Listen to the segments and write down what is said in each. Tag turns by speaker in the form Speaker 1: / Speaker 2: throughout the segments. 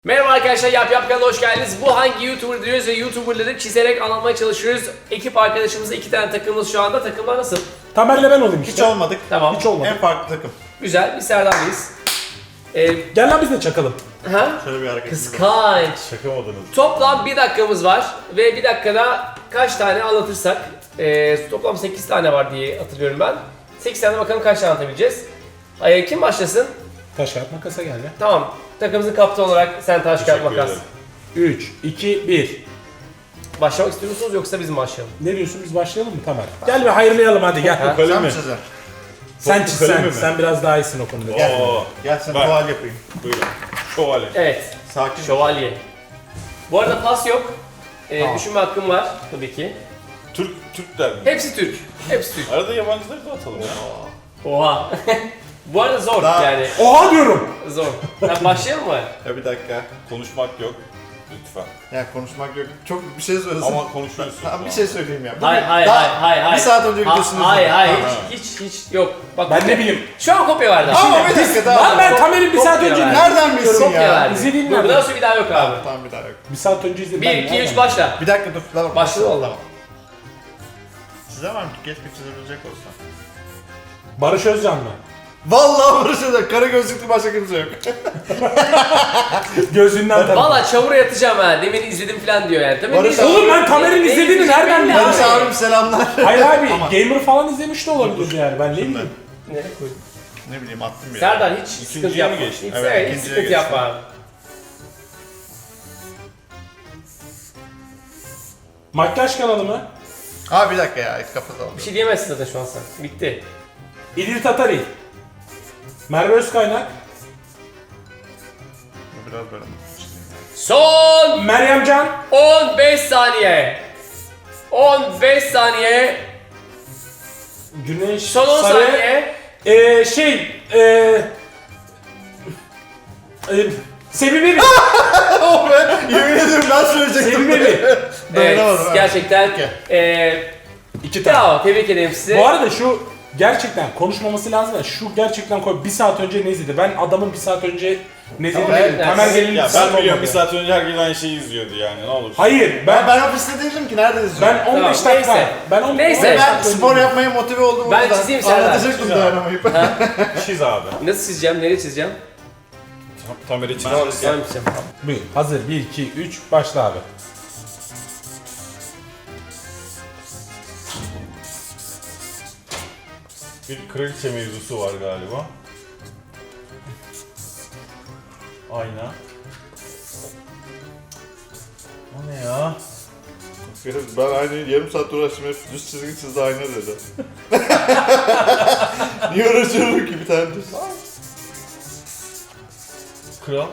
Speaker 1: Merhaba arkadaşlar, Yap kanalına hoş geldiniz. Bu hangi YouTuber diyoruz ve YouTuber'ları çizerek anlatmaya çalışıyoruz. Ekip arkadaşımızla 2 tane takımımız şu anda. Takımlar nasıl?
Speaker 2: Tamer'le ben olayım işte.
Speaker 3: Hiç olmadık.
Speaker 1: Tamam.
Speaker 2: Hiç olmadı.
Speaker 3: En farklı takım.
Speaker 1: Güzel, biz Serdar'dayız.
Speaker 2: Gel lan biz de çakalım.
Speaker 1: Ha?
Speaker 3: Şöyle bir hareket.
Speaker 1: Kıskanç.
Speaker 3: Şaka modunuz.
Speaker 1: Toplam 1 dakikamız var ve 1 dakikada kaç tane anlatırsak, toplam 8 tane var diye hatırlıyorum ben. 8 tane bakalım kaç tane anlatabileceğiz. Kim başlasın?
Speaker 2: Taş kağıt makasa gel ya.
Speaker 1: Tamam. Takımımızın kaptanı olarak sen taş kağıt makas.
Speaker 2: 3, 2, 1.
Speaker 1: Başlamak istiyor musunuz yoksa biz mi başlayalım?
Speaker 2: Ne diyorsun, biz başlayalım mı Tamer? Gel bir hayırlayalım hadi gel.
Speaker 1: Ha?
Speaker 3: Sen mi çizer?
Speaker 2: Sen çiz
Speaker 3: Kalemi
Speaker 2: sen.
Speaker 3: mi?
Speaker 2: Sen biraz daha iyisin o konuda.
Speaker 3: Gel.
Speaker 4: Oo.
Speaker 3: Gel sen
Speaker 4: Bak.
Speaker 3: tuval yapayım.
Speaker 4: Buyurun. Şövalye.
Speaker 1: Evet.
Speaker 3: Sakin.
Speaker 1: Şövalye. Bu arada pas yok.
Speaker 2: Tamam.
Speaker 1: Düşünme hakkım var tabii ki.
Speaker 4: Türk der mi?
Speaker 1: Hepsi Türk. Hepsi Türk.
Speaker 4: Arada yabancıları da atalım ya.
Speaker 1: Oha. Bu arada zor
Speaker 3: Daha-
Speaker 1: yani.
Speaker 2: Oha diyorum.
Speaker 1: Zor. Ben başlayalım mı?
Speaker 3: Ya bir dakika.
Speaker 4: Konuşmak yok. Lütfen.
Speaker 3: Ya konuşmak yok. Çok bir şey söylesin.
Speaker 4: Ama konuşuyorsun.
Speaker 3: Tamam bir şey söyleyeyim ya.
Speaker 1: Hayır hayır
Speaker 3: Daha
Speaker 1: hayır.
Speaker 3: Bir saat önce videosunu
Speaker 1: Hayır
Speaker 3: izledim.
Speaker 1: hayır
Speaker 3: Ha.
Speaker 1: hiç yok. Bak,
Speaker 2: Ben ne bileyim.
Speaker 1: Şu an kopya verdi.
Speaker 3: Ama bir dakika daha.
Speaker 2: Lan ben Tamer'in bir saat
Speaker 1: Kopya
Speaker 2: önce
Speaker 1: ver.
Speaker 3: Nereden bilsin
Speaker 1: Kopya
Speaker 3: ya?
Speaker 1: verdi.
Speaker 2: İzlediğin
Speaker 1: Dur,
Speaker 2: nerede?
Speaker 1: bundan sonra bir daha yok abi.
Speaker 3: Tamam bir daha yok.
Speaker 2: Bir saat önce izledim.
Speaker 1: 1,
Speaker 2: ben
Speaker 1: 2,
Speaker 2: ya.
Speaker 1: 3 başla.
Speaker 3: Bir dakika dur. Tamam.
Speaker 1: Başladı valla.
Speaker 3: Tamam. Çizemem ki. Keşke çizebilecek olsam.
Speaker 2: Barış Özcan mı?
Speaker 3: Vallahi barışacak. Kara gözlüklü başka kimse yok.
Speaker 2: Gözünden tanıdım.
Speaker 1: Valla çamura yatacağım ha. Demin izledim falan diyor yani. Tabii
Speaker 3: Barış
Speaker 1: biz-
Speaker 2: Oğlum ben Tamer'in
Speaker 1: Ne
Speaker 2: izlediğini
Speaker 1: izleyeceğim
Speaker 2: nereden
Speaker 1: belli
Speaker 2: biliyorum?
Speaker 3: Barış
Speaker 1: abi.
Speaker 3: abim selamlar.
Speaker 2: Hayır abi
Speaker 3: Ama-
Speaker 2: gamer falan izlemiş de olabilir yani ben ne
Speaker 3: Şimdi.
Speaker 2: bileyim.
Speaker 1: Nereye koydun?
Speaker 3: Ne bileyim attım bir yere.
Speaker 1: Serdar hiç sıkıntı
Speaker 4: İkinciye mi
Speaker 1: yapma.
Speaker 4: geçtin?
Speaker 1: Hiç,
Speaker 3: Evet,
Speaker 1: evet, hiç
Speaker 3: ikinciye
Speaker 1: sıkıntı
Speaker 3: geçtim.
Speaker 1: yapma abi.
Speaker 2: Makyaj kanalı mı?
Speaker 3: Ha bir dakika ya. Kapatalım.
Speaker 1: Bir şey diyemezsin zaten şu an sen. Bitti.
Speaker 2: İdil Tatari. Merve Özkaynak.
Speaker 3: Biraz böyle.
Speaker 1: Son
Speaker 2: Meryem Can.
Speaker 1: 15 saniye. 15 saniye.
Speaker 2: Güneş.
Speaker 1: Son 10
Speaker 2: Sarı.
Speaker 1: saniye.
Speaker 2: Sevim Evi.
Speaker 3: Oh be! Yemin ederim ben söyleyecektim.
Speaker 2: Sevim Evi.
Speaker 3: Dayanamadım,
Speaker 1: Evet,
Speaker 3: ha.
Speaker 1: gerçekten.
Speaker 3: Okey.
Speaker 2: 2 tane.
Speaker 1: Bravo, tebrik ederim sizi.
Speaker 2: Bu arada şu gerçekten konuşmaması lazım da şu gerçekten koy. Bir saat önce ne izledi? Ben adamın bir saat önce ne izlediğini
Speaker 1: Tamam,
Speaker 2: bilmiyorum.
Speaker 1: evet,
Speaker 2: Tamer
Speaker 1: evet.
Speaker 2: Gelin
Speaker 4: Ya
Speaker 2: dizisi
Speaker 4: ben biliyorum
Speaker 2: olmadı.
Speaker 4: bir saat önce herkes aynı şeyi izliyordu yani ne olur.
Speaker 2: Hayır ben
Speaker 3: Ofiste değildim ki nerede izliyorum?
Speaker 2: ben 15
Speaker 1: Tamam,
Speaker 2: dakika.
Speaker 1: neyse.
Speaker 2: Ben 15
Speaker 1: Neyse.
Speaker 3: Ben
Speaker 2: dakika
Speaker 3: spor
Speaker 2: önce-
Speaker 3: yapmaya motive oldum. o
Speaker 1: Ben
Speaker 3: yüzden
Speaker 1: çizeyim Serdar.
Speaker 3: Anlatacaktım
Speaker 4: Çiz abi.
Speaker 3: dayanamayıp.
Speaker 4: Çiz abi.
Speaker 1: Nasıl çizeceğim, nereye çizeceğim?
Speaker 4: Tamer'i çiz.
Speaker 1: Tamam, çizeceğim.
Speaker 2: Buyur. Hazır 1 2 3 başla abi.
Speaker 4: Bir kraliçe mevzusu var galiba. Ayna. O ne ya?
Speaker 3: Ben aynı yarım saat uğraştım hep düz çizgi çizdi ayna dedi. Niye uğraşıyorum ki bir tane düz?
Speaker 4: Kral.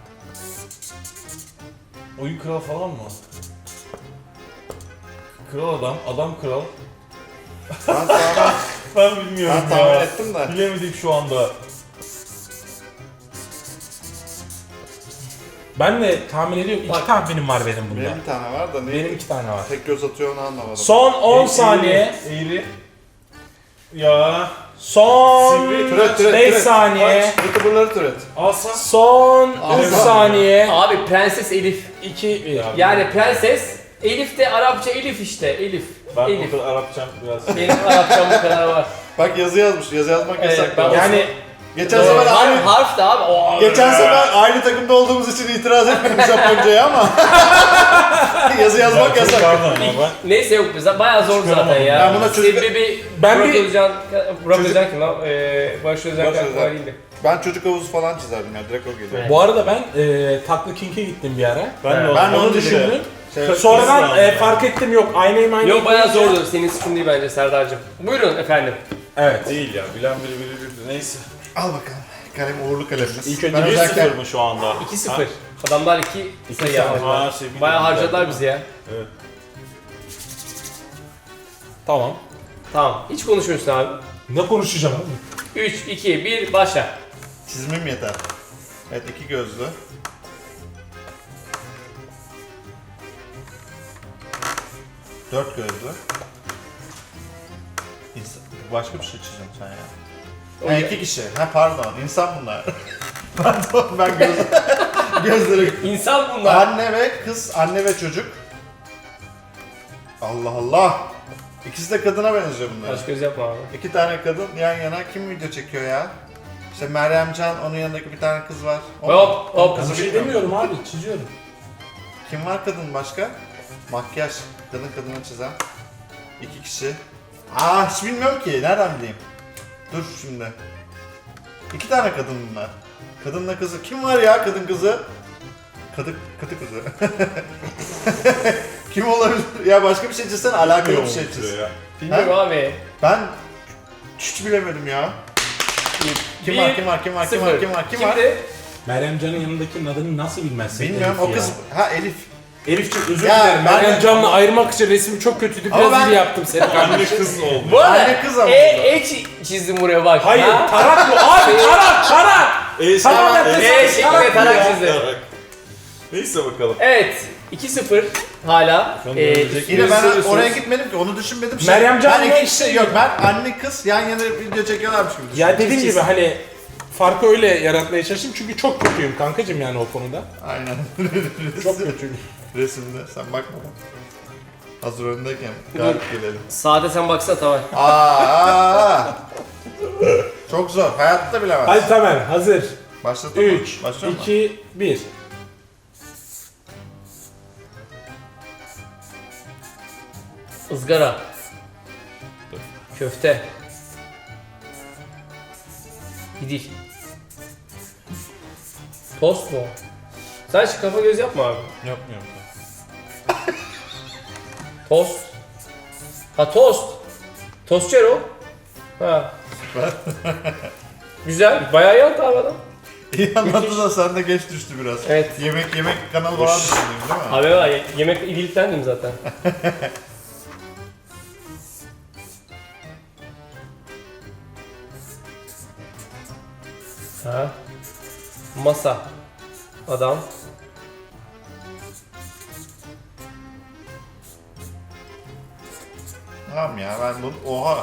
Speaker 4: Oyun kral falan mı? Kral adam, adam kral.
Speaker 3: Ben tahmin,
Speaker 4: Ben bilmiyorum
Speaker 3: ben tahmin
Speaker 4: ya.
Speaker 3: ettim de.
Speaker 4: Bilemedik şu anda.
Speaker 2: Ben de tahmin ediyorum. 2 tahminim var benim bunda.
Speaker 3: Benim bir tane var da
Speaker 2: Benim
Speaker 3: ne?
Speaker 2: 2 tane var.
Speaker 3: Tek göz atıyor onu anlamadım.
Speaker 2: Son 10 saniye.
Speaker 4: Eğri. Ya.
Speaker 2: Son
Speaker 4: Sivri,
Speaker 3: Türet
Speaker 2: 5 saniye.
Speaker 3: Youtuberları türet.
Speaker 4: Asa.
Speaker 2: Son 3
Speaker 3: Alsana.
Speaker 2: saniye.
Speaker 1: Abi Prenses Elif.
Speaker 2: 2 1.
Speaker 1: Yani Prenses, Elif de Arapça Elif işte. Elif.
Speaker 4: Ben
Speaker 1: Elif.
Speaker 4: o kadar Arapçam biraz.
Speaker 1: Benim Arapçam bu kadar var.
Speaker 3: Bak yazı yazmış. Yazı yazmak
Speaker 1: Evet,
Speaker 3: yasak.
Speaker 1: ben-
Speaker 2: Yani
Speaker 3: Geçen sefer aynı...
Speaker 1: Harf da abi. Oo.
Speaker 3: Geçen sefer aynı takımda olduğumuz için itiraz etmedim Japonca'ya ama yazı yazmak yasak.
Speaker 4: Pardon ama ben.
Speaker 1: Neyse yok bize bayağı zor zaten ya.
Speaker 3: Ben buna çocuk-
Speaker 1: Sebebi
Speaker 2: Ben
Speaker 1: Burak
Speaker 2: bir-
Speaker 1: Özcan, Burak Özcan kim lan? Barış Özcan
Speaker 3: Barış
Speaker 1: aklıma
Speaker 3: Özcan.
Speaker 1: değildi.
Speaker 3: Ben çocuk havuzu falan çizerdim ya direkt o geliyor.
Speaker 1: Evet.
Speaker 2: bu arada ben Taklı King'e gittim bir ara.
Speaker 4: Ben de
Speaker 3: Ben
Speaker 4: onu
Speaker 3: onu
Speaker 2: Düşündüm.
Speaker 3: Şey,
Speaker 2: Sonradan
Speaker 4: Kız lazım.
Speaker 2: fark ettim yok aynı
Speaker 1: Yok bayağı zordu. Senin sıkıntın değil bence Serdar'cığım. Buyurun efendim.
Speaker 2: Evet.
Speaker 4: Değil ya. Bilen biri bilirdi. Neyse.
Speaker 3: al bakalım. Kalem uğurlu kalemimiz.
Speaker 2: İlk önce
Speaker 3: Ben
Speaker 4: 1-0
Speaker 3: özellikle
Speaker 4: mı şu anda?
Speaker 1: 2-0. Adamlar 2 sayı
Speaker 2: sayı
Speaker 1: yaptılar.
Speaker 4: Ha, şey,
Speaker 1: Bayağı
Speaker 4: bilmiyorum.
Speaker 1: harcadılar bizi ya.
Speaker 4: Evet.
Speaker 2: Tamam.
Speaker 1: Tamam. Hiç konuşmuyorsun abi.
Speaker 2: Ne konuşacağım abi?
Speaker 1: 3, 2, 1 başla.
Speaker 3: çizimim yeter. Evet iki gözlü. Dört gözlü. Başka bir şey çizeceğim sen ya. Ha, iki kişi. Ha pardon. İnsan bunlar. Pardon ben göz... Gözleri.
Speaker 1: İnsan bunlar.
Speaker 3: Anne ve kız, anne ve çocuk. Allah Allah. İkisi de kadına benziyor bunlar.
Speaker 1: Kaş göz yapma abi.
Speaker 3: İki tane kadın yan yana kim video çekiyor ya? İşte Meryem Can, onun yanındaki bir tane kız var.
Speaker 1: Hop hop.
Speaker 3: Kızı
Speaker 2: Bir şey
Speaker 3: bilmiyorum.
Speaker 2: demiyorum abi, çiziyorum.
Speaker 3: Kim var kadın başka? Makyaj. Kadın kadına çizen. İki kişi. Hiç bilmiyorum ki. Nereden bileyim? Dur şimdi. İki tane kadın bunlar. Kadınla kızı. Kim var ya kadın kızı? Kadı kızı. Kim olabilir? Ya başka bir şey çizsen alakalı bir şey çiz.
Speaker 4: Ya.
Speaker 1: Bilmiyorum abi.
Speaker 3: Ben hiç bilemedim ya. Kim var?
Speaker 1: Sıfır. Kimdi?
Speaker 2: Meryem Can'ın yanındakinin adını nasıl bilmezsin?
Speaker 3: Bilmiyorum
Speaker 2: Elif
Speaker 3: o kız.
Speaker 2: ya.
Speaker 3: Elif.
Speaker 2: Elif'ciğim özür
Speaker 3: Ya,
Speaker 2: dilerim.
Speaker 3: ben-
Speaker 2: Meryem Can'la ayırmak için resmi çok kötüydü.
Speaker 3: Ama
Speaker 2: Biraz
Speaker 3: ben-
Speaker 2: iyi yaptım seni
Speaker 4: Anne
Speaker 2: kardeşim.
Speaker 4: kız oldu.
Speaker 1: Bu arada
Speaker 3: Anne kız ama
Speaker 1: çizdim buraya bak.
Speaker 2: Hayır,
Speaker 1: Ha?
Speaker 2: tarak bu. Abi tarak!
Speaker 3: Tamam,
Speaker 1: şeklinde tarak çizdi.
Speaker 4: Neyse bakalım.
Speaker 1: Evet. 2-0 hala.
Speaker 3: Yine ben oraya gitmedim ki onu düşünmedim.
Speaker 2: Meryem Can
Speaker 3: ben
Speaker 2: yok
Speaker 3: iki kişi yok. Ben anne kız yan yana video çekiyorlarmış gibi düşündüm.
Speaker 2: Ya dediğim gibi hani farkı öyle yaratmaya çalıştım çünkü çok kötüyüm kankacım yani o konuda.
Speaker 3: Aynen.
Speaker 2: Çok kötüyüm.
Speaker 3: Resimde sen bakma. Hazır önündeyken galip gelelim.
Speaker 1: Sade sen baksana tamam.
Speaker 3: Çok zor. Hayatta bilemez.
Speaker 2: Hadi Tamer hazır.
Speaker 3: Başlatalım mı?
Speaker 2: 3,
Speaker 3: Başlıyor mu?
Speaker 2: 2, 1.
Speaker 1: Izgara. Köfte. Gidil. Tost mu? Sen şu kafa göz yapma abi.
Speaker 4: Yapmıyorum.
Speaker 1: Tost. Ha tost. Tostçer o. Ha. Güzel. Bayağı iyi attı abi adam.
Speaker 3: İyi anlattı da sen de geç düştü biraz.
Speaker 1: Evet.
Speaker 3: Yemek kanalı falan düşündün değil mi?
Speaker 1: Abi var yemek iyiliktendim zaten. Ha. Masa. Adam.
Speaker 3: Tamam ya ben bunu... Oha!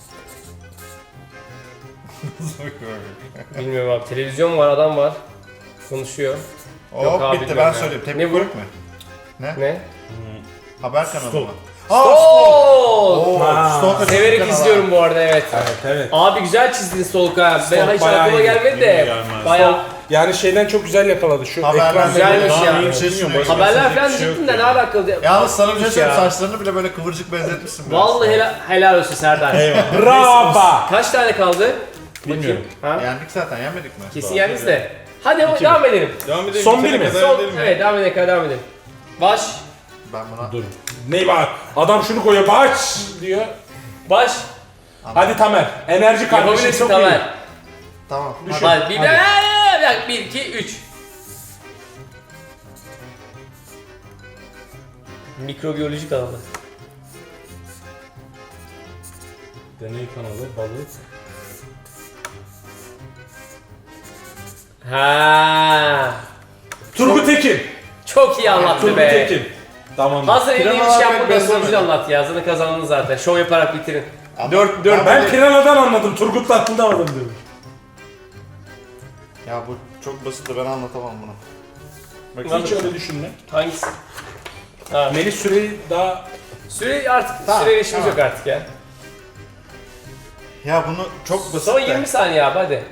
Speaker 1: Bilmiyorum abi. Televizyon var, adam var. Konuşuyor. Yok
Speaker 3: Hop
Speaker 1: abi,
Speaker 3: bitti ben
Speaker 1: bilmiyorum ya.
Speaker 3: söyleyeyim.
Speaker 1: Ne
Speaker 3: Tepki
Speaker 1: bu?
Speaker 3: Kulüp mü?
Speaker 1: Ne?
Speaker 3: Haber kanalı
Speaker 4: Stop.
Speaker 3: mı?
Speaker 1: Oo!
Speaker 3: Stop
Speaker 1: Severek
Speaker 3: kanalı.
Speaker 1: izliyorum bu arada evet.
Speaker 2: Evet.
Speaker 1: Abi güzel çizdin Stolka. Ben hiç
Speaker 2: bayağı
Speaker 1: aklıma
Speaker 2: iyi.
Speaker 1: gelmedi de.
Speaker 4: Gelmez.
Speaker 1: Bayağı
Speaker 2: Yani şeyden çok güzel yakaladı şu
Speaker 3: Haberler
Speaker 2: ekran.
Speaker 1: güzelmiş
Speaker 3: Daha
Speaker 1: ya.
Speaker 3: iyi bir şey sunuyor.
Speaker 1: haberler falan
Speaker 4: bir şey yok
Speaker 1: diyecektim de ne
Speaker 4: yani.
Speaker 1: alakalı?
Speaker 3: Yalnız sana bir şey
Speaker 1: Ya.
Speaker 3: söyleyeyim, saçlarını bile böyle kıvırcık benzetmişsin biraz.
Speaker 1: Vallahi helal olsun Serdar.
Speaker 2: Bravo.
Speaker 1: Kaç tane kaldı?
Speaker 2: Bilmiyorum.
Speaker 1: Bakayım. Ha?
Speaker 3: Yendik zaten, yenmedik mi?
Speaker 1: Kesin yendiniz de. Hadi ama devam edelim.
Speaker 4: Devam edelim.
Speaker 2: Son
Speaker 4: bitene
Speaker 2: bir mi?
Speaker 4: kadar
Speaker 1: Son,
Speaker 4: edelim ya.
Speaker 1: evet devam edelim, devam edelim. Baş,
Speaker 3: Ben buna...
Speaker 2: Dur. Ne bak? Adam şunu koyuyor. Baş diyor.
Speaker 1: baş.
Speaker 2: Hadi Tamer. Enerji kardeşim
Speaker 1: Yapabilirsin
Speaker 2: çok iyi.
Speaker 1: Tamer.
Speaker 3: Tamam.
Speaker 2: Düşün.
Speaker 1: Hadi bir
Speaker 2: Hadi.
Speaker 1: dakika. 1, 2, 3. Mikrobiyoloji kanalı.
Speaker 2: Deney kanalı, balık.
Speaker 1: Ha.
Speaker 2: Turgut Tekin.
Speaker 1: Çok iyi anlattı
Speaker 2: Turgut
Speaker 1: be.
Speaker 2: Tekin. Tamam.
Speaker 1: Hazır
Speaker 3: Piranalar
Speaker 1: elini
Speaker 3: pek
Speaker 1: yapmadan
Speaker 3: beslemedim.
Speaker 1: sonucu anlat ya. Zaten kazandın zaten. Şov yaparak bitirin.
Speaker 3: Dört,
Speaker 2: Ben Piranha'dan anladım. Turgut'la anlamadım diyorum.
Speaker 3: Ya bu çok basit de ben anlatamam bunu.
Speaker 2: Hiç öyle düşünme.
Speaker 1: Hangisi? Ha,
Speaker 2: Melih süreyi daha...
Speaker 1: süre artık,
Speaker 3: Tamam,
Speaker 1: süre işimiz
Speaker 3: tamam.
Speaker 1: yok artık ya.
Speaker 3: Ya bunu çok basit
Speaker 1: Son
Speaker 3: de.
Speaker 1: 20 saniye abi hadi.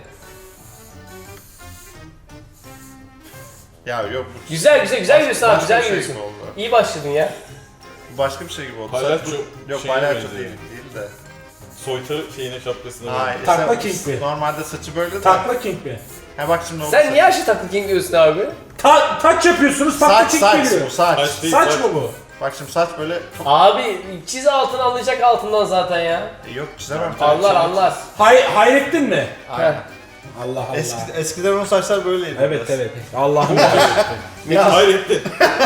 Speaker 3: Ya yok bu
Speaker 1: Güzel gidiyorsun abi,
Speaker 3: başka
Speaker 1: güzel
Speaker 3: bir şey
Speaker 1: gidiyorsun.
Speaker 3: gibi oldu.
Speaker 1: İyi başladın ya.
Speaker 3: Bu başka bir şey gibi oldu.
Speaker 4: Palyaço
Speaker 3: Yok
Speaker 4: şeyine
Speaker 3: palyaço
Speaker 4: benziyor.
Speaker 3: değil de.
Speaker 4: Soytarı şeyine şapkasına.
Speaker 3: Hayır.
Speaker 2: Takla
Speaker 3: sen-
Speaker 2: King mi?
Speaker 3: Normalde saçı böyle de.
Speaker 2: Takla King mi?
Speaker 3: Ha bak şimdi oldu.
Speaker 1: Sen niye her şey taklit king diyorsun abi?
Speaker 2: Taç yapıyorsunuz, takla
Speaker 3: Saç
Speaker 2: King
Speaker 3: saç
Speaker 2: geliyor.
Speaker 3: bu saç.
Speaker 4: Saç değil,
Speaker 2: Saç
Speaker 4: saç.
Speaker 2: mı bu?
Speaker 3: Bak şimdi saç böyle
Speaker 1: Abi çiz altını anlayacak altından zaten ya.
Speaker 3: yok çizemem.
Speaker 1: Anlar.
Speaker 2: Hayrettin mi?
Speaker 3: Aynen.
Speaker 2: Allah Allah.
Speaker 3: Eskiden onun saçlar böyleydi.
Speaker 2: Evet
Speaker 3: biraz.
Speaker 2: evet. Allah'ım.
Speaker 3: Ya
Speaker 4: Hayrettin.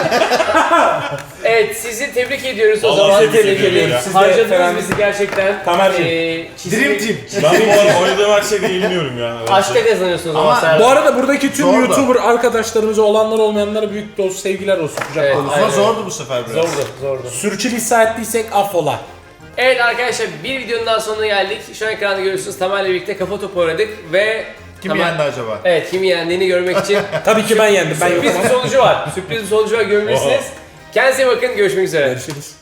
Speaker 1: Evet sizi tebrik ediyoruz o
Speaker 4: Vallahi
Speaker 1: zaman.
Speaker 4: tebrik ediyorum ya.
Speaker 2: Siz de
Speaker 1: Harcadınız
Speaker 2: Ferhan-
Speaker 1: bizi gerçekten.
Speaker 2: Tamerciğim.
Speaker 3: Dream Team.
Speaker 4: Ben bu arada oynadığım her şeyde yeniliyorum yani.
Speaker 1: Aşkta kazanıyorsunuz ama
Speaker 3: Ama
Speaker 1: Serdar.
Speaker 2: Bu arada buradaki tüm
Speaker 3: Zor da.
Speaker 2: YouTuber arkadaşlarımıza olanlar olmayanlara büyük dost sevgiler olsun. Kucak
Speaker 1: Evet.
Speaker 2: dolusu.
Speaker 3: Ama
Speaker 1: Aynen.
Speaker 3: zordu bu sefer biraz.
Speaker 1: Zordu.
Speaker 2: Sürçülisan ettiysek affola.
Speaker 1: Evet arkadaşlar bir videonun daha sonuna geldik. Şu an ekranda görüyorsunuz Tamer'le birlikte kafa topu oynadık ve
Speaker 3: Kim
Speaker 1: Tamam.
Speaker 3: yendi acaba?
Speaker 1: Evet, kimi yendiğini görmek için
Speaker 2: Tabii ki ben yendim. Ben
Speaker 1: sürpriz
Speaker 2: yokum.
Speaker 1: bir sonucu var. Sürpriz bir sonucu var, görebilirsiniz. Kendinize iyi bakın, görüşmek üzere.
Speaker 2: Görüşürüz.